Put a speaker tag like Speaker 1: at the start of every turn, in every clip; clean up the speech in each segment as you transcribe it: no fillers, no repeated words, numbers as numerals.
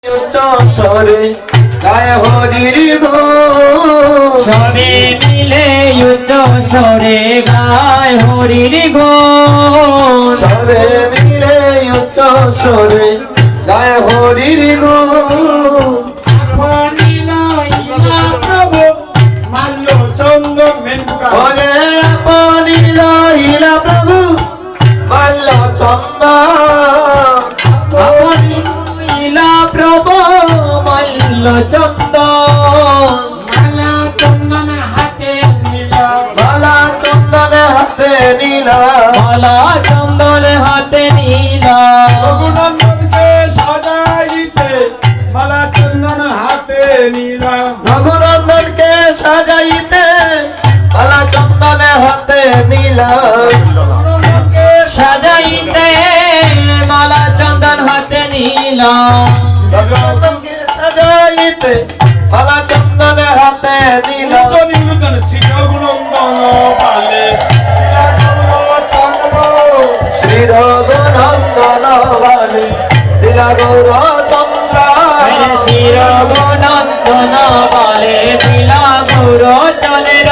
Speaker 1: সরে গায় হরির গুণ,
Speaker 2: সবে মিলে উচ্চ স্বরে গায় হরির গুণ।
Speaker 1: সবে মিলে উচ্চ স্বরে গায় হরির গুণ। ওরে আপনি রহিলা প্রভু মাল্য চন্দন,
Speaker 2: আপনি রহিলা প্রভু মল্ল চন্দন।
Speaker 1: মালা চন্দন হাতে নীলা,
Speaker 2: মালা চন্দন হাতে নীলা।
Speaker 3: রঘুনন্দনকে সাজাইতে মালা চন্দন হাতে নিলাম।
Speaker 1: রঘুনন্দনকে সাজাইতে মালা চন্দন হাতে নীলা,
Speaker 3: রঘুনন্দনকে
Speaker 2: সাজাইতে মালা চন্দন হাতে নীলা।
Speaker 1: রঘুনন্দনকে সাজাইতে মালা চন্দন হাতে নীলা।
Speaker 3: নিরূপণ শ্রী রঘুনন্দন পালে
Speaker 1: শ্রী রঘুনন্দন বালে দিলা গৌরচন্দ্র,
Speaker 2: শ্রী রঘুনন্দন বালে দিলা গৌরচন্দ্র।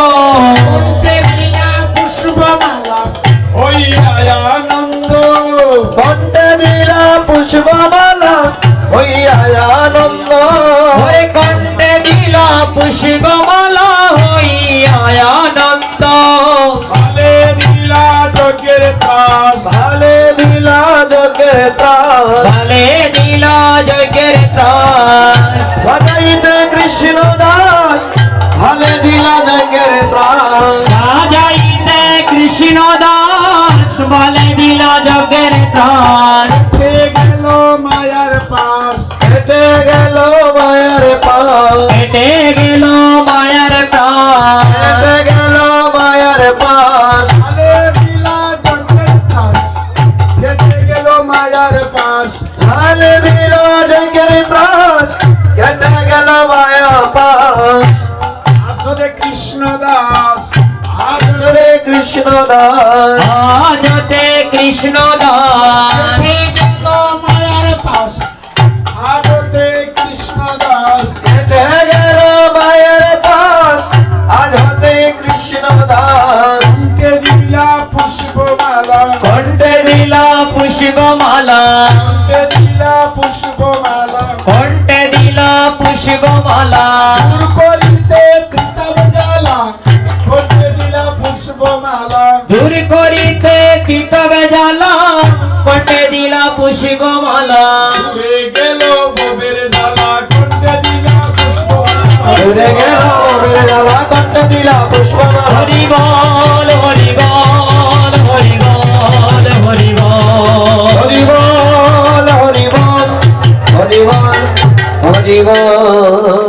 Speaker 3: পুষ্পমালা ওই আনন্দ
Speaker 1: কণ্ঠে দিলা পুষ্পমালা হইয়া আনন্দ।
Speaker 2: ওরে কণ্ঠে দিলা পুষ্পমালা হইয়া আনন্দ।
Speaker 3: ভালে নীলা যজ্ঞের ত্রাস
Speaker 1: ভালে দিলা যোগের ত্রাস,
Speaker 2: ভালে দিলা যজ্ঞের ত্রাস।
Speaker 1: সাজাইতে কৃষ্ণ দাস ভালে দিলা যোগের ত্রাস।
Speaker 2: সাজাইতে কৃষ্ণ দাস বলে দিলা যজ্ঞের ত্রাস।
Speaker 3: গেল মায়ার পাশ
Speaker 1: হেঁটে গেল মায়ের পাশ,
Speaker 2: হেঁটে গেল মায়ার প্রাণ।
Speaker 1: হেঁটে গেল মায়ের পাশ।
Speaker 3: ভালে নীলা যজ্ঞের ত্রাস কেটে গেল মায়ার পাশ
Speaker 1: ভালে দিলা যোগের ত্রাস হেঁটে গেল মায়ের পাশ।
Speaker 3: আসলে কৃষ্ণ দাস
Speaker 1: হরে কৃষ্ণ দাস
Speaker 2: আজতে কৃষ্ণ দাস।
Speaker 3: মায়ার পাশ আজতে কৃষ্ণ দাস
Speaker 1: হেঁটে গেল মায়ের পাশ, আজ হতে কৃষ্ণ দাস।
Speaker 3: কে দিলা পুষ্পমালা
Speaker 1: কণ্ঠে
Speaker 2: দিলা পুষ্পমালা,
Speaker 3: কে দিলা পুষ্পমালা
Speaker 2: কণ্ঠে দিলা পুষ্পমালা।
Speaker 3: দূর করিতে তিতাব জ্বালা করতে দিলা পুষ্পমালা
Speaker 2: দূর করিতে পিতবে জ্বালা কণ্ঠে দিলা পুষ্পমালা।
Speaker 3: দূরে গেল ভবের জ্বালা করতে দিলা পুষ্পমালা
Speaker 1: দূরে গেল বেলা কণ্ঠে দিলা পুষ্পমালা।
Speaker 2: হরি বল হরি বল হরি বল হরি বল।
Speaker 1: হরি বল হরি বল হরি বল হরি বল।